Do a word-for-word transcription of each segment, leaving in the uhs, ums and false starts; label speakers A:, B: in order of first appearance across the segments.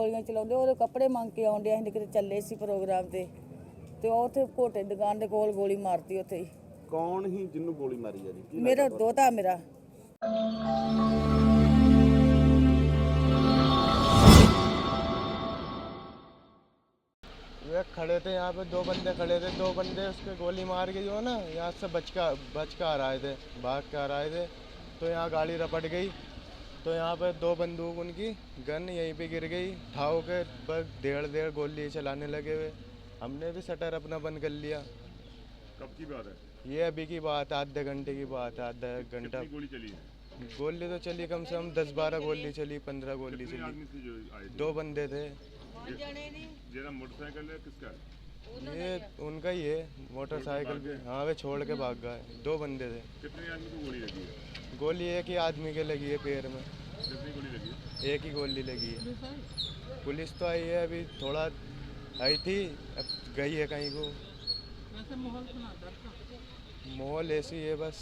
A: ਗੋਲੀਆਂ ਚਲਾਉਂਦੇ ਉਹਦੇ ਕੱਪੜੇ ਮੰਗ ਕੇ ਆਉਂਦੇ ਅਸੀਂ ਕਿਤੇ ਚੱਲੇ ਸੀ ਪ੍ਰੋਗਰਾਮ ਤੇ ਤੇ ਉਹ ਉੱਥੇ ਘੋਟੇ ਦੁਕਾਨ ਦੇ ਕੋਲ ਗੋਲੀ ਮਾਰਤੀ ਉੱਥੇ ਹੀ।
B: ਕੌਣ ਹੀ ਜਿਹਨੂੰ ਗੋਲੀ ਮਾਰੀ ਆ ਜੀ? ਕੀ
A: ਮੇਰਾ
B: ਲੱਗਦਾ
A: ਦੋਤਾ ਮੇਰਾ
C: वे खड़े थे यहाँ पे, दो बंदे खड़े थे, दो बंदे उसके गोली मार के जो है ना यहाँ से बच का बच कर आ रहे थे, भाग कर आ रहे थे। तो यहाँ गाड़ी रपट गई तो यहाँ पे दो बंदूक उनकी गन यहीं पे गिर गई, ठाव के बस डेढ़ डेढ़ गोली चलाने लगे हुए। हमने भी शटर अपना बंद कर लिया।
D: कब की बात है
C: ये अभी की बात है, आधे घंटे की बात है, आधा एक घंटा।
D: गोली चली है?
C: गोली तो चली कम से कम दस बारह गोली चली, पंद्रह गोली
D: कितने
C: चली।
D: आदमी थे जो आए थे?
C: दो बंदे थे।
D: जेरा मोटरसाइकिल है किसका है?
C: ये उनका ही है, मोटरसाइकिल भी। हाँ वे छोड़ के भाग गए, दो बंदे थे।
D: कितने आदमी को गोली लगी है?
C: गोली एक ही आदमी के लगी है पैर में,
D: कितनी गोली लगी है?
C: एक ही गोली लगी है। पुलिस तो आई है, अभी थोड़ा आई थी, अब गई है कहीं को। माहौल ऐसी है बस।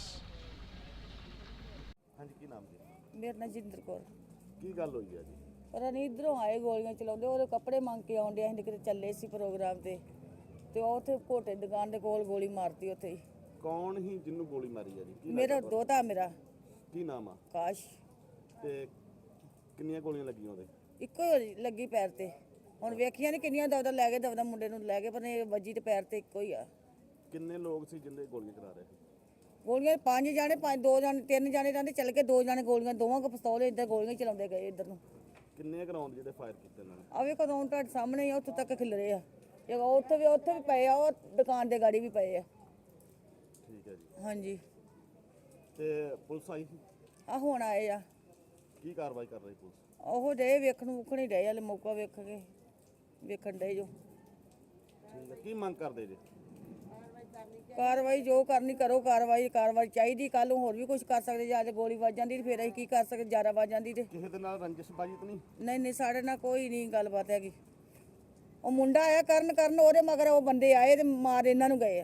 B: हाँ जी, की नाम जी?
A: ਮੇਰਾ ਨਾਂ ਜਿੰਦਰ ਕੌਰ।
B: ਕੀ ਗੱਲ ਹੋਈ ਆ ਜੀ?
A: ਪਰ ਨਹੀਂ ਇਧਰੋਂ ਆਏ ਗੋਲੀਆਂ ਚਲਾਉਂਦੇ ਉਹਦੇ ਕੱਪੜੇ ਮੰਗ ਕੇ ਆਉਂਦੇ ਅਸੀਂ ਕਿਤੇ ਚੱਲੇ ਸੀ ਪ੍ਰੋਗਰਾਮ ਤੇ ਤੇ ਉਹ ਉੱਥੇ ਘੋਟੇ ਦੁਕਾਨ ਦੇ ਕੋਲ ਗੋਲੀ ਮਾਰਤੀ ਉੱਥੇ ਹੀ।
B: ਕੌਣ ਹੀ ਜਿਹਨੂੰ ਗੋਲੀ ਮਾਰੀ ਆ ਜੀ? ਕੀ
A: ਮੇਰਾ
B: ਲੱਗਦਾ
A: ਦੋਤਾ ਮੇਰਾ
B: ਤੁਹਾਨੂੰ? ਕੀ ਨਾਮ ਆ?
A: ਕਾਸ਼।
B: ਤੇ ਕਿੰਨੀਆਂ ਗੋਲੀਆਂ ਲੱਗੀਆਂ ਉਹਦੇ?
A: ਇੱਕੋ ਹੀ ਲੱਗੀ ਪੈਰ ਤੇ। ਹੁਣ ਵੇਖੀਆਂ ਨਹੀਂ ਕਿੰਨੀਆਂ ਦਵਦਾ ਲੈ ਗਏ, ਦਵਦਾ ਮੁੰਡੇ ਨੂੰ ਲੈ ਗਏ, ਪਰ ਇਹ ਵੱਜੀ ਤੇ ਪੈਰ ਤੇ ਇੱਕੋ ਹੀ ਆ।
B: ਕਿੰਨੇ ਲੋਕ ਸੀ ਜਿੰਦੇ ਗੋਲੀਆਂ ਚਲਾ ਰਹੇ ਸੀ?
A: ਗੋਲੀਆਂ ਪੰਜ ਜਾਣੇ, ਪੰਜ ਦੋ ਜਾਣੇ, ਤਿੰਨ ਜਾਣੇ ਰਹਿੰਦੇ ਚੱਲ ਕੇ, ਦੋ ਜਾਣੇ ਗੋਲੀਆਂ, ਦੋਵਾਂ ਕੋ ਪਿਸਤੌਲ ਇੱਧਰ ਗੋਲੀਆਂ ਹੀ ਚਲਾਉਂਦੇ ਗਏ ਇੱਧਰ ਨੂੰ।
B: ਕਿੰਨੇ ਗਰਾਊਂਡ ਜਿਹੜੇ ਫਾਇਰ ਕੀਤੇ ਇਹਨਾਂ ਨੇ?
A: ਆ ਵੇਖੋ ਰੌਣ ਤੁਹਾਡੇ ਸਾਹਮਣੇ ਹੀ ਆ, ਉੱਥੋਂ ਤੱਕ ਖਿਲਰੇ ਆ। ਇਹ ਉੱਥੇ ਵੀ ਉੱਥੇ ਵੀ ਪਏ ਆ, ਉਹ ਦੁਕਾਨ ਦੇ ਗਾੜੀ ਵੀ ਪਏ ਆ।
B: ਠੀਕ ਹੈ ਜੀ।
A: ਹਾਂਜੀ
B: ਤੇ ਪੁਲਿਸ ਆਈ ਸੀ?
A: ਆ ਹੁਣ ਆਏ ਆ।
B: ਕੀ ਕਾਰਵਾਈ ਕਰ ਰਹੀ ਪੁਲਿਸ?
A: ਉਹ ਡੇ ਵੇਖਣ ਵੁਖਣ ਹੀ ਰਹੇ ਹਲੇ, ਮੌਕਾ ਵੇਖ ਕੇ ਵੇਖਣ ਡੇ ਜੋ।
B: ਠੀਕ ਹੈ, ਕੀ ਮੰਗ ਕਰਦੇ ਜੀ?
A: ਕਾਰਵਾਈ ਜੋ ਕਰਨੀ ਕਰੋ, ਕਾਰਵਾਈ ਕਾਰਵਾਈ ਚਾਹੀਦੀ। ਕੱਲ ਨੂੰ ਹੋਰ ਵੀ ਕੁਝ ਕਰ ਸਕਦੇ, ਜੇ ਅੱਜ ਗੋਲੀ ਵੱਜ ਜਾਂਦੀ ਤੇ ਫਿਰ ਅਸੀਂ ਕੀ ਕਰ ਸਕਦੇ, ਜ਼ਿਆਦਾ ਵੱਜ ਜਾਂਦੀ ਤੇ।
B: ਕਿਸੇ ਦੇ ਨਾਲ ਰੰਜਿਸ਼ਬਾਜੀ ਤਾਂ ਨਹੀਂ?
A: ਨਹੀਂ ਨਹੀਂ, ਸਾਡੇ ਨਾਲ ਕੋਈ ਨਹੀਂ ਗੱਲਬਾਤ ਹੈਗੀ। ਉਹ ਮੁੰਡਾ ਆਇਆ ਕਰਨ ਕਰਨ ਉਹਦੇ ਮਗਰ ਉਹ ਬੰਦੇ ਆਏ ਤੇ ਮਾਰ ਇਹਨਾਂ ਨੂੰ ਗਏ ਆ।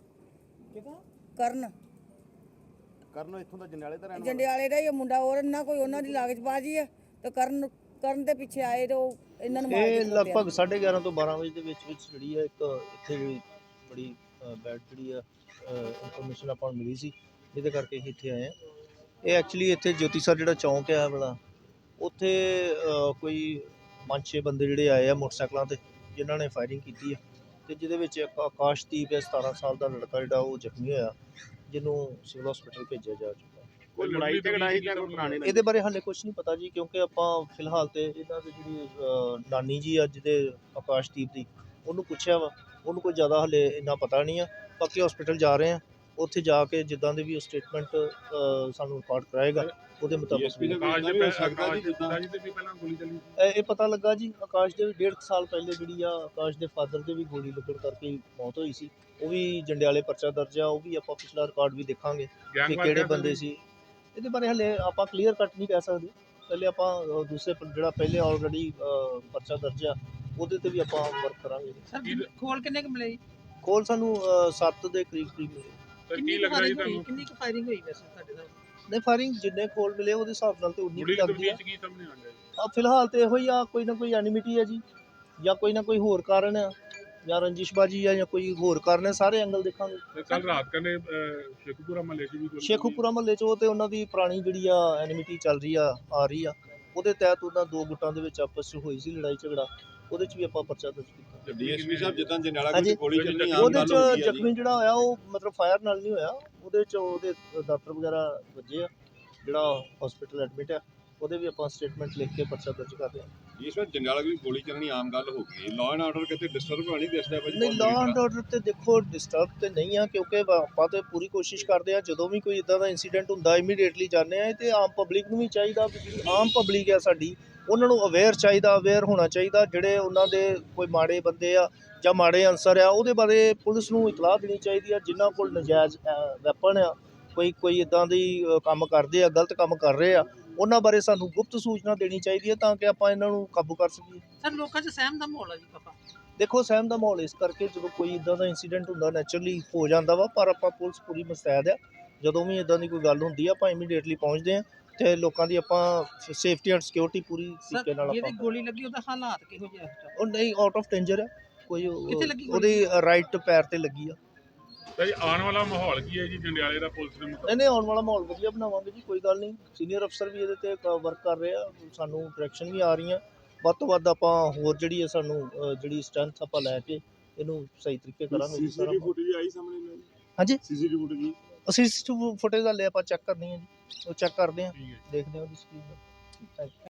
A: ਕਰਨ
B: ਕਰਨ ਇੱਥੋਂ ਦਾ ਜੰਡਿਆਲੇ ਦਾ ਰਹਿਣ ਵਾਲਾ?
A: ਜੰਡਿਆਲੇ ਦਾ ਹੀ ਉਹ ਮੁੰਡਾ, ਹੋਰ ਨਾ ਕੋਈ ਉਹਨਾਂ ਦੀ ਲਾਗਚਬਾਜ਼ੀ ਆ ਤੇ ਕਰਨ ਕਰਨ ਦੇ ਪਿੱਛੇ ਆਏ ਤੇ ਉਹ ਇਹਨਾਂ ਨੂੰ ਮਾਰ
E: ਇਹ
A: ਕੇ
E: ਲਗਭਗ ਸਾਢੇ ਗਿਆਰਾਂ ਤੋਂ ਬਾਰਾਂ ਵਜੇ ਦੇ ਵਿੱਚ ਵਿੱਚ ਜਿਹੜੀ ਹੈ ਇੱਕ ਇੱਥੇ ਜਿਹੜੀ ਬੜੀ ਬੈਡ ਜਿਹੜੀ ਆ ਇਨਫੋਰਮੇਸ਼ਨ ਆਪਾਂ ਨੂੰ ਮਿਲੀ ਸੀ, ਜਿਹਦੇ ਕਰਕੇ ਅਸੀਂ ਇੱਥੇ ਆਏ ਆ। ਇਹ ਐਕਚੁਅਲੀ ਇੱਥੇ ਜੋਤੀ ਸਰ ਜਿਹੜਾ ਚੌਂਕ ਆ ਵਾਲਾ, ਉੱਥੇ ਅ, ਕੋਈ ਪੰਜ ਛੇ ਬੰਦੇ ਜਿਹੜੇ ਆਏ ਆ ਮੋਟਰਸਾਈਕਲਾਂ ਤੇ, ਜਿਨ੍ਹਾਂ ਨੇ ਫਾਇਰਿੰਗ ਕੀਤੀ ਹੈ ਤੇ ਜਿਹਦੇ ਵਿੱਚ ਇੱਕ ਆਕਾਸ਼ਦੀਪ ਹੈ ਸਤਾਰਾਂ ਸਾਲ ਦਾ ਲੜਕਾ ਜਿਹੜਾ ਉਹ ਜ਼ਖਮੀ ਹੋਇਆ, ਜਿਹਨੂੰ ਸਿਵਲ ਹਸਪੀਟਲ ਭੇਜਿਆ ਜਾ ਚੁੱਕਾ।
B: ਕੋਈ ਲੜਾਈ ਝਗੜਾ ਸੀ ਜਾਂ ਕੋਈ ਪੁਰਾਣੀ
E: ਇਹਦੇ ਬਾਰੇ ਹਾਲੇ ਕੁਝ ਨਹੀਂ ਪਤਾ ਜੀ, ਕਿਉਂਕਿ ਆਪਾਂ ਫਿਲਹਾਲ ਤੇ ਇਹਨਾਂ ਦੀ ਜਿਹੜੀ ਅ, ਨਾਨੀ ਜੀ ਅੱਜ ਦੇ ਆਕਾਸ਼ਦੀਪ ਦੀ, ਉਹਨੂੰ ਪੁੱਛਿਆ ਵਾ, ਉਹਨੂੰ ਕੋਈ ਜ਼ਿਆਦਾ ਹਾਲੇ ਇੰਨਾ ਪਤਾ ਨਹੀਂ ਆ। ਬਾਕੀ ਹਸਪੀਟਲ ਜਾ ਰਹੇ ਆ, ਉੱਥੇ ਜਾ ਕੇ ਜਿੱਦਾਂ ਦੇ ਵੀ ਉਹ ਸਟੇਟਮੈਂਟ ਸਾਨੂੰ ਰਿਕਾਰਡ ਕਰਾਏਗਾ ਉਹਦੇ ਮੁਤਾਬਕ
D: ਆਕਾਸ਼ ਦੇ ਆਕਾਸ਼ ਦੇ ਪਿਤਾ ਜੀ ਤੇ ਵੀ ਪਹਿਲਾਂ ਗੋਲੀ ਚੱਲੀ ਸੀ।
E: ਇਹ ਇਹ ਪਤਾ ਲੱਗਾ ਜੀ। ਆਕਾਸ਼ ਦੇ ਵੀ ਡੇਢ ਕੁ ਸਾਲ ਪਹਿਲੇ ਜਿਹੜੀ ਆ ਆਕਾਸ਼ ਦੇ ਫਾਦਰ ਦੇ ਵੀ ਗੋਲੀ ਲੱਗਣ ਕਰਕੇ ਮੌਤ ਹੋਈ ਸੀ। ਉਹ ਵੀ ਜੰਡਿਆਲੇ ਪਰਚਾ ਦਰਜ ਆ, ਉਹ ਵੀ ਆਪਾਂ ਪਿਛਲਾ ਰਿਕਾਰਡ ਵੀ ਦੇਖਾਂਗੇ ਕਿ ਕਿਹੜੇ ਬੰਦੇ ਸੀ। ਇਹਦੇ ਬਾਰੇ ਹਲੇ ਆਪਾਂ ਕਲੀਅਰ ਕੱਟ ਨਹੀਂ ਕਹਿ ਸਕਦੇ। ਪਹਿਲੇ ਆਪਾਂ ਅ, ਦੂਸਰੇ ਪ- ਜਿਹੜਾ ਪਹਿਲੇ ਆਲਰੇਡੀ ਪਰਚਾ ਦਰਜ ਆ ਉਹਦੇ ਤੇ ਵੀ ਆਪਾਂ ਵਰਕ ਕਰਾਂਗੇ।
F: ਸਰ ਖੋਲ ਕਿੰਨੇ ਕੁ ਮਿਲੇ ਜੀ?
E: ਕੋਲ ਸਾਨੂੰ ਸੱਤ ਦੇ ਕਰੀਬ ਕਰੀਬ ਮਿਲੇ।
D: ਤਾਂ ਕੀ
F: ਕਿੰਨੀ
D: ਲੱਗ ਰਿਹਾ ਜੀ
F: firing ਹੋਈ?
D: ਤੁਹਾਨੂੰ?
F: ਕਿੰਨੀ ਕੁ ਫਾਇਰਿੰਗ ਹੋਈ ਵੈਸੇ ਤੁਹਾਡੇ ਨਾਲ?
E: ਨਹੀਂ, ਫਾਇਰਿੰਗ ਜਿੰਨੇ ਕੋਲ ਮਿਲੇ ਉਹਦੇ ਹਿਸਾਬ ਨਾਲ ਤੇ ਉਨੀ
D: ਮੁੱਢਲੀ
E: ਕੁ ਲੱਗਦੀ ਆ।
D: ਤਫਤੀਸ਼ ਕੀ ਸਾਹਮਣੇ ਆ ਗਿਆ ਜੀ?
E: ਆ ਫਿਲਹਾਲ ਤੇ ਇਹੋ ਹੀ ਆ, ਕੋਈ ਨਾ ਕੋਈ ਐਨਿਮਿਟੀ ਹੈ ਜੀ, ਜਾਂ ਕੋਈ ਨਾ ਕੋਈ ਹੋਰ ਕਾਰਨ ਆ, ਜਾਂ ਰੰਜਿਸ਼ਬਾਜੀ ਆ, ਜਾਂ ਕੋਈ ਹੋਰ ਕਾਰਨ ਹੈ। ਸਾਰੇ ਐਂਗਲ ਦੇਖਾਂਗੇ।
D: ਤੇ ਕੱਲ ਰਾਤ ਕਨੇ ਸ਼ੇਖੂਪੁਰਾ ਮਹੱਲੇ 'ਚ ਵੀ ਗੋਲੀ
E: ਸ਼ੇਖੂਪੁਰਾ ਮਹੱਲੇ 'ਚ ਉਹ ਤੇ ਉਹਨਾਂ ਦੀ ਪੁਰਾਣੀ ਜਿਹੜੀ ਆ ਐਨਿਮਿਟੀ ਚੱਲ ਰਹੀ ਆ ਆ ਰਹੀ ਆ, ਉਹਦੇ ਤਹਿਤ ਉਹਨਾਂ ਦੋ ਗੁੱਟਾਂ ਦੇ ਵਿੱਚ ਆਪਸ 'ਚ ਹੋਈ ਸੀ ਲੜਾਈ ਝਗੜਾ, ਉਹਦੇ 'ਚ ਵੀ ਆਪਾਂ ਪਰਚਾ ਦਰਜ ਕੀਤਾ।
D: ਡੀਐਸਪੀ ਸਾਹਿਬ ਜਿੱਦਾਂ
E: ਹਾਂਜੀ।
D: ਜਨਾਲਾ ਗੋਲੀ ਚੱਲਣੀ ਆਮ
E: ਉਹਦੇ
D: ਗੱਲ
E: 'ਚ
D: ਹੋ ਗਈ ਆ ਜੀ।
E: ਜ਼ਖਮੀ ਜਿਹੜਾ ਹੋਇਆ ਉਹ ਮਤਲਬ ਫਾਇਰ ਨਾਲ ਨਹੀਂ ਹੋਇਆ, ਉਹਦੇ 'ਚ ਉਹਦੇ ਡਾਕਟਰ ਵਗੈਰਾ ਵੱਜੇ ਆ, ਜਿਹੜਾ ਹਸਪੀਟਲ ਐਡਮਿਟ ਆ, ਉਹਦੇ ਵੀ ਆਪਾਂ ਸਟੇਟਮੈਂਟ ਲਿਖ ਕੇ ਪਰਚਾ ਦਰਜ ਕਰ ਰਹੇ ਹਾਂ।
D: ਇਸ ਵਾਰ ਜੰਡਿਆਲਾ ਵੀ ਗੋਲੀ ਚੱਲਣੀ ਆਮ ਗੱਲ ਹੋ ਗਈ। ਲਾਅ ਐਂਡ ਆਰਡਰ ਕਿਤੇ ਡਿਸਟਰਬ ਹੋਣੀ ਦਿਸਦਾ ਭਾਜੀ?
E: ਨਹੀਂ, ਲਾਅ ਐਂਡ ਆਰਡਰ ਤੇ ਦੇਖੋ ਡਿਸਟਰਬ ਤੇ ਨਹੀਂ ਆ, ਕਿਉਂਕਿ ਵਾ- ਆਪਾਂ ਤੇ ਪੂਰੀ ਕੋਸ਼ਿਸ਼ ਕਰਦੇ ਆ ਜਦੋਂ ਵੀ ਕੋਈ ਇਦਾਂ ਦਾ ਇਨਸੀਡੈਂਟ ਹੁੰਦਾ ਇਮੀਡੀਏਟਲੀ ਜਾਂਦੇ ਆ। ਤੇ ਆਮ ਪਬਲਿਕ ਨੂੰ ਵੀ ਚਾਹੀਦਾ ਵੀ ਜਿਹੜੀ ਆਮ ਪਬਲਿਕ ਆ ਸਾਡੀ, ਉਹਨਾਂ ਨੂੰ ਅਵੇਅਰ ਚਾਹੀਦਾ, ਅਵੇਅਰ ਹੋਣਾ ਚਾਹੀਦਾ। ਜਿਹੜੇ ਉਹਨਾਂ ਦੇ ਕੋਈ ਮਾੜੇ ਬੰਦੇ ਆ ਜਾਂ ਮਾੜੇ ਅਨਸਰ ਆ, ਉਹਦੇ ਬਾਰੇ ਪੁਲਿਸ ਨੂੰ ਇਤਲਾਹ ਦੇਣੀ ਚਾਹੀਦੀ ਆ। ਜਿਨ੍ਹਾਂ ਕੋਲ ਨਜਾਇਜ਼ ਵੈਪਨ ਆ, ਕੋਈ ਕੋਈ ਇਦਾਂ ਦੀ ਅ, ਕੰਮ ਕਰਦੇ ਆ, ਗਲਤ ਕੰਮ ਕਰ ਰਹੇ ਆ, ਉਹਨਾਂ ਬਾਰੇ ਸਾਨੂੰ ਗੁਪਤ ਸੂਚਨਾ ਦੇਣੀ ਚਾਹੀਦੀ ਹੈ ਤਾਂ ਕਿ ਆਪਾਂ ਇਹਨਾਂ ਨੂੰ ਕਾਬੂ ਕਰ ਸਕੀਏ।
F: ਸਰ ਲੋਕਾਂ 'ਚ ਸਹਿਮ ਦਾ ਮਾਹੌਲ ਆ ਜੀ ਕਾਫਾ।
E: ਦੇਖੋ, ਸਹਿਮ ਦਾ ਮਾਹੌਲ ਇਸ ਕਰਕੇ ਜਦੋਂ ਕੋਈ ਇਦਾਂ ਦਾ ਇਨਸੀਡੈਂਟ ਹੁੰਦਾ ਨੈਚੁਰਲੀ ਹੋ ਜਾਂਦਾ ਵਾ, ਪਰ ਆਪਾਂ ਪੁਲਿਸ ਪੂਰੀ ਮੁਸਤੈਦ ਆ। ਜਦੋਂ ਵੀ ਇਦਾਂ ਦੀ ਕੋਈ ਗੱਲ ਹੁੰਦੀ ਆ ਆਪਾਂ ਇਮੀਡੀਏਟਲੀ ਪਹੁੰਚਦੇ ਆ ਤੇ ਲੋਕਾਂ ਦੀ ਆਪਾਂ ਸੇਫਟੀ ਐਂਡ ਸਿਕਿਉਰਿਟੀ ਪੂਰੀ
F: ਸਰ
E: ਤਰੀਕੇ ਨਾਲ
F: ਜਿਹਦੇ
E: ਆਪਾਂ
F: ਗੋਲੀ ਲੱਗੀ ਉਹਦਾ ਹਾਲਾਤ ਕਿਹੋ ਜਿਹਾ ਹੈ?
E: ਉਹ ਨਹੀਂ ਆਊਟ ਆਫ ਡੇਂਜਰ ਹੈ ਕੋਈ ਉਹ-
F: ਕਿੱਥੇ ਲੱਗੀ ਗੋਲੀ?
E: ਉਹਦੀ ਰਾਈਟ ਪੈਰ ਤੇ ਲੱਗੀ ਆ।
G: ਤਾਂ ਜੀ ਆਉਣ ਵਾਲਾ ਮਾਹੌਲ ਕੀ ਹੈ ਜੀ ਜੰਡਿਆਲੇ ਦਾ ਪੁਲਿਸ ਦੇ ਮੁਤਾਬਕ?
E: ਨਹੀਂ ਨਹੀਂ ਆਉਣ ਵਾਲਾ ਮਾਹੌਲ ਵਧੀਆ ਬਣਾਵਾਂਗੇ ਜੀ, ਕੋਈ ਗੱਲ ਨਹੀਂ। ਸੀਨੀਅਰ ਅਫਸਰ ਵੀ ਇਹਦੇ ਤੇ ਵਰਕ ਕਰ ਰਹੇ ਆ, ਸਾਨੂੰ ਡਾਇਰੈਕਸ਼ਨ ਵੀ ਆ ਰਹੀਆਂ। ਵੱਧ ਤੋਂ ਵੱਧ ਆਪਾਂ ਹੋਰ ਜਿਹੜੀ ਹੈ ਸਾਨੂੰ ਅ, ਜਿਹੜੀ ਸਟਰੈਂਥ ਆਪਾਂ ਲੈ ਕੇ ਇਹਨੂੰ ਸਹੀ ਤਰੀਕੇ ਕਰਾਂਗੇ ਜੀ ਸਾਰਾ।
G: ਸੀਸੀਟੀਵੀ ਫੁਟੇਜ ਆਈ ਸਾਹਮਣੇ ਨਾਲ?
E: ਹਾਂਜੀ
G: ਸੀਸੀਟੀਵੀ ਫੁਟੇਜ
E: ਅਸੀਂ ਫੁਟੇਜ ਹਲੇ ਆਪਾਂ ਚੈੱਕ ਕਰਨੀ ਹੈ ਜੀ, ਉਹ ਚੈੱਕ ਕਰਦੇ ਹਾਂ,
G: ਠੀਕ ਹੈ।
E: ਦੇਖਦੇ ਹਾਂ ਉਹਦੀ ਸਕਰੀਨ। Thank you.